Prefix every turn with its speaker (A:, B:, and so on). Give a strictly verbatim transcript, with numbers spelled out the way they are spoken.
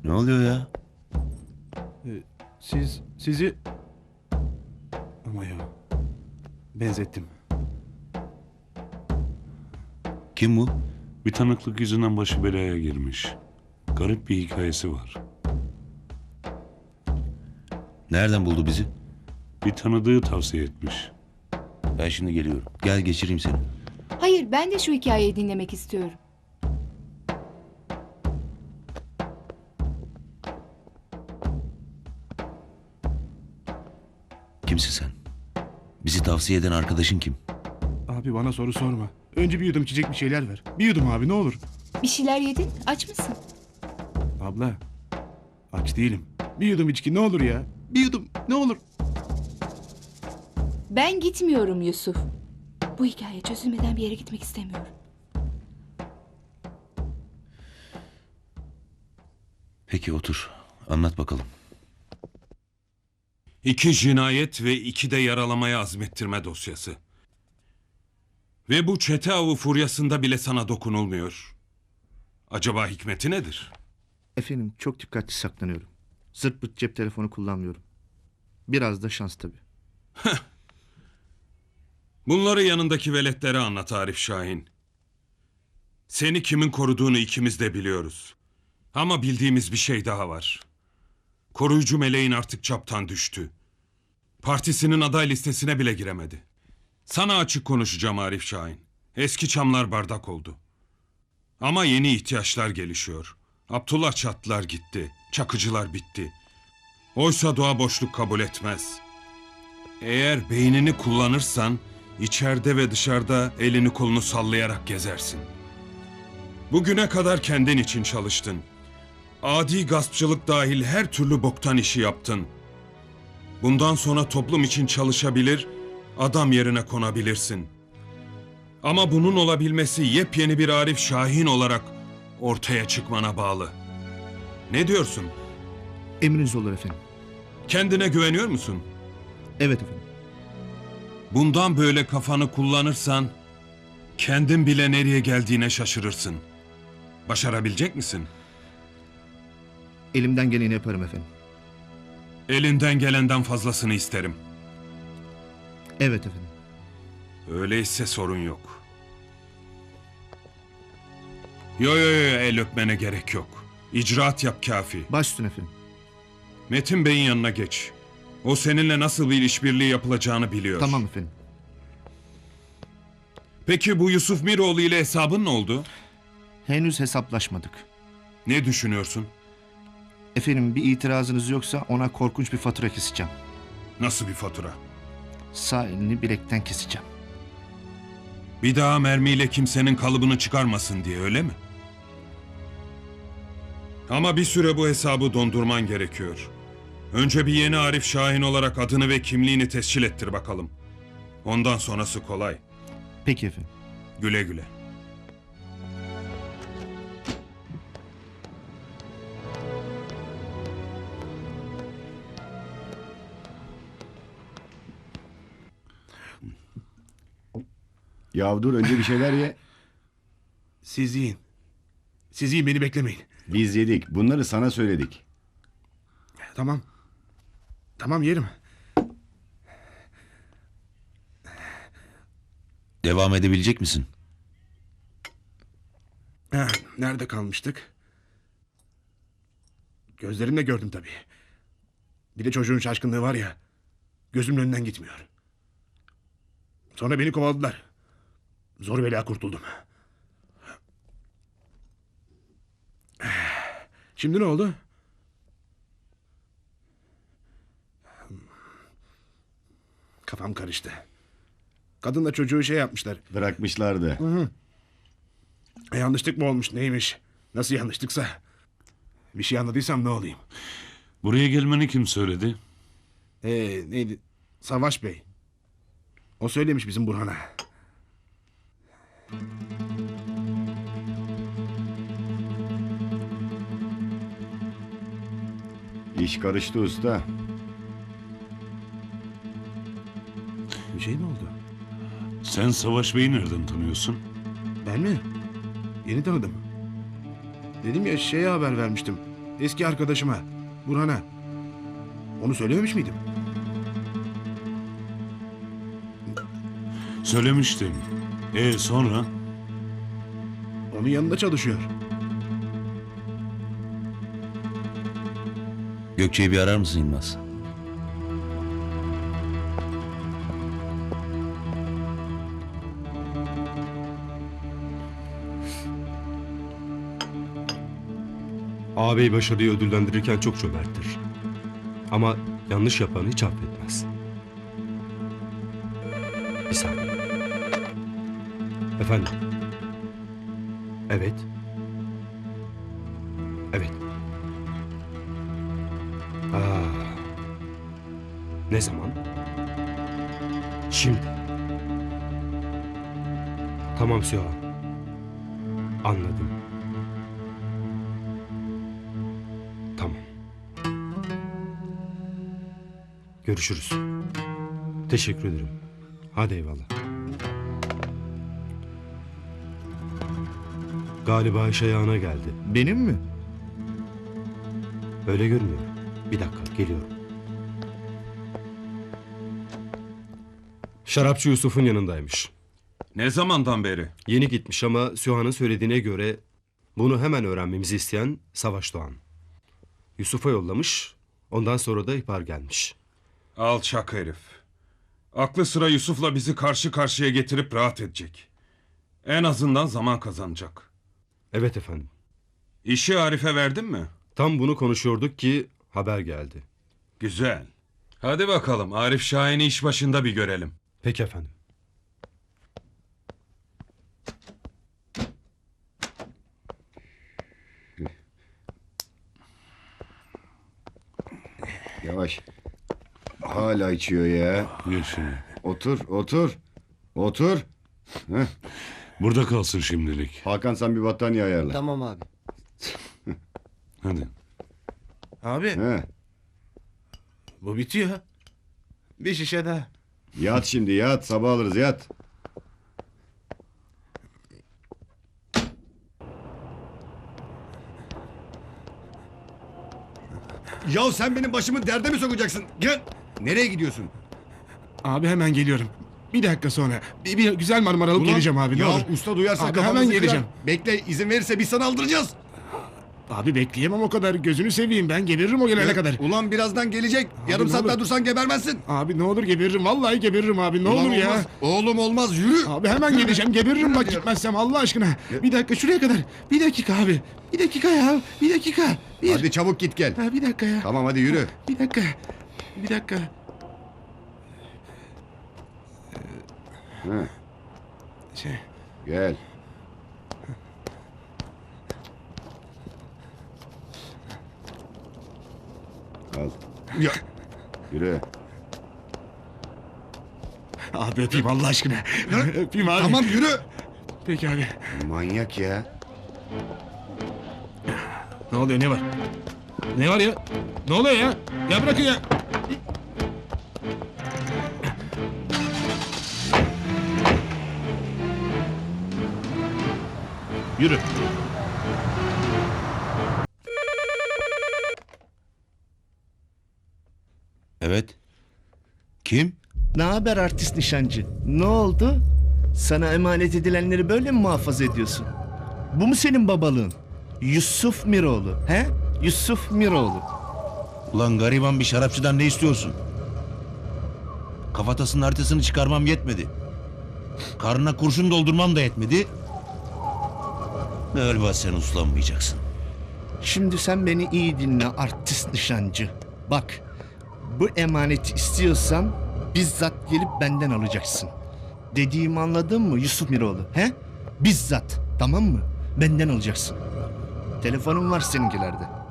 A: Ne oluyor ya?
B: Ee, siz, sizi... Ama ya, benzettim.
A: Kim bu?
C: Bir tanıklık yüzünden başı belaya girmiş. Garip bir hikayesi var.
A: Nereden buldu bizi?
C: Bir tanıdığı tavsiye etmiş.
A: Ben şimdi geliyorum. Gel geçireyim seni.
D: Hayır, ben de şu hikayeyi dinlemek istiyorum.
A: Kimsin sen? Bizi tavsiye eden arkadaşın kim?
B: Abi bana soru sorma. Önce bir yudum içecek bir şeyler ver. Bir yudum abi ne olur.
D: Bir şeyler yedin, aç mısın?
B: Abla, aç değilim. Bir yudum içki ne olur ya. Bir yudum ne olur.
D: Ben gitmiyorum Yusuf. Bu hikaye çözülmeden bir yere gitmek istemiyorum.
A: Peki otur. Anlat bakalım.
E: İki cinayet ve iki de yaralamaya azmettirme dosyası. Ve bu çete avı furyasında bile sana dokunulmuyor. Acaba hikmeti nedir?
F: Efendim çok dikkatli saklanıyorum. Zırt pırt cep telefonu kullanmıyorum. Biraz da şans tabii.
E: Bunları yanındaki veletlere anlat Arif Şahin. Seni kimin koruduğunu ikimiz de biliyoruz. Ama bildiğimiz bir şey daha var. Koruyucu meleğin artık çaptan düştü. Partisinin aday listesine bile giremedi. Sana açık konuşacağım Arif Şahin. Eski çamlar bardak oldu. Ama yeni ihtiyaçlar gelişiyor. Abdullah Çatlılar gitti. Çakıcılar bitti. Oysa doğa boşluk kabul etmez. Eğer beynini kullanırsan içeride ve dışarıda elini kolunu sallayarak gezersin. Bugüne kadar kendin için çalıştın. Adi gaspçılık dahil her türlü boktan işi yaptın. Bundan sonra toplum için çalışabilir, adam yerine konabilirsin. Ama bunun olabilmesi yepyeni bir Arif Şahin olarak ortaya çıkmana bağlı. Ne diyorsun?
F: Emriniz olur efendim.
E: Kendine güveniyor musun?
F: Evet efendim.
E: Bundan böyle kafanı kullanırsan kendin bile nereye geldiğine şaşırırsın. Başarabilecek misin?
F: Elimden geleni yaparım efendim.
E: Elinden gelenden fazlasını isterim.
F: Evet efendim.
E: Öyleyse sorun yok. Yo yo yo el öpmene gerek yok. İcraat yap kafi.
F: Baş üstüne efendim.
E: Metin Bey'in yanına geç. O seninle nasıl bir işbirliği yapılacağını biliyor.
F: Tamam efendim.
E: Peki bu Yusuf Miroğlu ile hesabın ne oldu?
F: Henüz hesaplaşmadık.
E: Ne düşünüyorsun?
F: Efendim bir itirazınız yoksa ona korkunç bir fatura keseceğim.
E: Nasıl bir fatura?
F: Sağ elini bilekten keseceğim.
E: Bir daha mermiyle kimsenin kalıbını çıkarmasın diye öyle mi? Ama bir süre bu hesabı dondurman gerekiyor. Önce bir yeni Arif Şahin olarak adını ve kimliğini tescil ettir bakalım. Ondan sonrası kolay.
F: Peki efendim.
E: Güle güle.
G: Ya dur önce bir şeyler ye.
B: Siz yiyin. Siz yiyin beni beklemeyin.
G: Biz yedik. Bunları sana söyledik.
B: Tamam. Tamam yerim.
A: Devam edebilecek misin?
B: Ha, nerede kalmıştık? Gözlerimle gördüm tabii. Bir de çocuğun şaşkınlığı var ya. Gözümün önünden gitmiyor. Sonra beni kovaladılar. Zor bela kurtuldum. Şimdi ne oldu? Kafam karıştı. Kadınla çocuğu şey yapmışlar.
G: Bırakmışlardı.
B: E, yanlışlık mı olmuş neymiş? Nasıl yanlışlıksa. Bir şey anladıysam ne olayım?
C: Buraya gelmeni kim söyledi?
B: Ee, neydi? Savaş Bey. O söylemiş bizim Burhan'a.
G: İş karıştı usta.
B: Bir şey mi oldu?
C: Sen Savaş Bey'i nereden tanıyorsun?
B: Ben mi? Yeni tanıdım. Dedim ya şeye haber vermiştim. Eski arkadaşıma, Burhan'a. Onu söylememiş miydim?
C: Söylemiştin. E sonra?
B: Onun yanında çalışıyor.
A: Gökçe'yi bir arar mısın Yılmaz?
H: Ağabey başarıyı ödüllendirirken çok cömerttir. Ama yanlış yapanı hiç affetmez. Bir saniye. Efendim? Evet. Evet. Aa, ne zaman? Şimdi. Tamam Süha. Anladım. Tamam. Görüşürüz. Teşekkür ederim. Hadi eyvallah. Galiba iş ayağına geldi.
F: Benim mi?
H: Öyle görünüyor. Bir dakika, geliyorum. Şarapçı Yusuf'un yanındaymış.
E: Ne zamandan beri?
H: Yeni gitmiş ama Süha'nın söylediğine göre bunu hemen öğrenmemizi isteyen Savaş Doğan. Yusuf'a yollamış, ondan sonra da ihbar gelmiş.
E: Alçak herif. Aklı sıra Yusuf'la bizi karşı karşıya getirip rahat edecek. En azından zaman kazanacak.
H: Evet efendim.
E: İşi Arif'e verdin mi?
H: Tam bunu konuşuyorduk ki haber geldi.
E: Güzel. Hadi bakalım Arif Şahin'i iş başında bir görelim.
H: Peki efendim.
G: Yavaş. Hala içiyor ya.
C: Gel şimdi.
G: Otur, otur. Otur. Heh.
C: Burada kalsın şimdilik.
G: Hakan sen bir battaniye ayarla.
I: Tamam abi.
C: Hadi.
B: Abi
G: He.
B: bu bitiyor. Bir şişe daha.
G: Yat şimdi yat. Sabah alırız yat. Ya sen benim başımı derde mi sokacaksın? Gel. Nereye gidiyorsun?
B: Abi hemen geliyorum. Bir dakika sonra. Bir, bir güzel marmara alıp
G: Ulan,
B: geleceğim abi. Ne
G: ya
B: olur.
G: usta duyarsa
B: Abi
G: kafamızı
B: hemen
G: kırar.
B: geleceğim.
G: Bekle izin verirse biz sana aldıracağız.
B: Abi bekleyemem o kadar. Gözünü seveyim. Ben geberirim o gelene
G: Ya,
B: kadar.
G: Ulan birazdan gelecek. Yarım
B: ne
G: saat daha
B: olur.
G: dursan gebermezsin.
B: Abi ne olur geberirim. Vallahi geberirim abi. Ne
G: Ulan
B: olur ya.
G: olmaz. Oğlum olmaz yürü.
B: Abi hemen geleceğim. Geberirim bak
G: Yürü.
B: gitmezsem Allah aşkına. Bir dakika şuraya kadar. Bir dakika abi. Bir dakika ya. Bir dakika. Bir.
G: Hadi çabuk git gel.
B: Ha, bir dakika ya.
G: Tamam hadi yürü.
B: Bir dakika. Bir dakika.
G: He,
B: Şey.
G: gel. Al.
B: Ya.
G: Yürü.
B: Abi öpeyim Allah aşkına. Öpeyim abi.
G: Tamam yürü.
B: Peki abi.
G: Manyak ya.
B: Ne oluyor ne var? Ne var ya? Ne oluyor ya? Ya bırakın ya. Yürü.
A: Evet. Kim?
F: Ne haber artist nişancı? Ne oldu? Sana emanet edilenleri böyle mi muhafaza ediyorsun? Bu mu senin babalığın? Yusuf Miroğlu, he? Yusuf Miroğlu.
A: Ulan gariban bir şarapçıdan ne istiyorsun? Kafatasının haritasını çıkarmam yetmedi. Karnına kurşun doldurmam da yetmedi. Galiba sen uslanmayacaksın.
F: Şimdi sen beni iyi dinle artist nişancı. Bak, bu emaneti istiyorsan bizzat gelip benden alacaksın. Dediğimi anladın mı Yusuf Miroğlu, he? Bizzat, tamam mı? Benden alacaksın. Telefonum var seninkilerde.